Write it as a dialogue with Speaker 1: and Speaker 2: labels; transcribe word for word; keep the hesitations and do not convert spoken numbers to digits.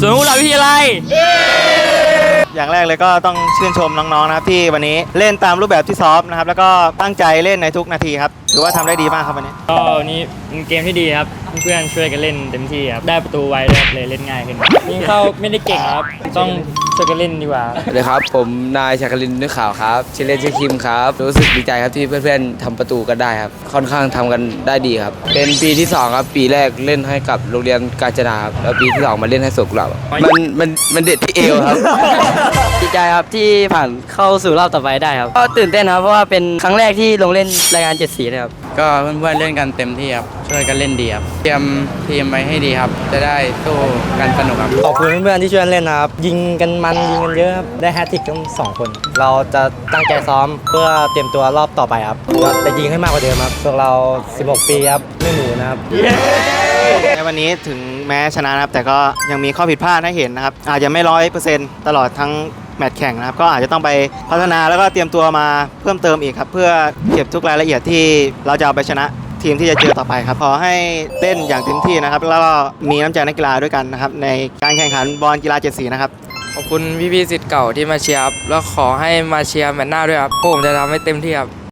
Speaker 1: สวนกุหลาบวิทยาลัย
Speaker 2: อย่างแรกเลยก็ต้องชื่นชมน้องๆนะครับที่วันนี้เล่นตามรูปแบบที่ซ้อมนะครับแล้วก็ตั้งใจเล่นในทุกนาทีครับถือว่าทำได้ดีมากครับวันนี้
Speaker 1: ก็วันนี้เป็นเกมที่ดีครับเพื่อนๆช่วยกันเล่นเต็มที่ครับได้ประตูไวด้วยเลยเล่นง่ายขึ้นยิงเข้าไม่ได้เก่งครับต้องช่วยกันเล่นดีกว่า
Speaker 3: สวัสดีครับผมนายชักลินนึกข่าวครับชื่อเล่นชื่อคิมครับรู้สึกดีใจครับที่เพื่อนๆทำประตูกันได้ครับค่อนข้างทำกันได้ดีครับเป็นปีที่สองครับปีแรกเล่นให้กับโรงเรียนกาญจนาครับแล้วปีที่สองมาเล่นให้สวนกุหลาบมันมันมันเด็ดที่เอวครับ
Speaker 4: ดีใจครับที่ผ่านเข้าสู่รอบต่อไปได้ครับก็ตื่นเต้นครับเพราะว่าเป็นครั้งแรกที่ลงเล่นรายการเจ็ดสีเลยครับ
Speaker 5: ก็เพื่อนๆเล่นกันเต็มที่ครับช่วยกันเล่นดีครับเตรียมทีมไว้ให้ดีครับจะได้สู้กันสนุกครับ
Speaker 4: ขอบคุณเพื่อนๆที่ช่วยเล่นนะครับยิงกันมันยิงกันเยอะครับได้แฮตทริกทั้งสองคน เราจะตั้งใจซ้อมเพื่อเตรียมตัวรอบต่อไปครับจะยิงให้มากกว่าเดิมครับพวกเราสิบหกปีครับไม่หนูนะครับ
Speaker 2: ในวันนี้ถึงแม้ชนะครับแต่ก็ยังมีข้อผิดพลาดให้เห็นนะครับอาจจะไม่ร้อยเปอร์เซ็นต์ตลอดทั้งแมตช์แข่งนะครับก็อาจจะต้องไปพัฒนาแล้วก็เตรียมตัวมาเพิ่มเติมอีกครับเพื่อเก็บทุกรายละเอียดที่เราจะเอาไปชนะทีมที่จะเจอต่อไปครับขอให้เล่นอย่างเต็มที่นะครับแล้วก็มีน้ำใจนักกีฬาด้วยกันนะครับในการแข่งขันบอลกีฬาเจ็ดสีนะครับ
Speaker 6: ขอบคุณพี่ๆศิษย์เก่าที่มาเชียร์ครับแล้วขอให้มาเชียร์แมตช์หน้าด้วยครับพวกผมจะทำให้เต็มที่ครับ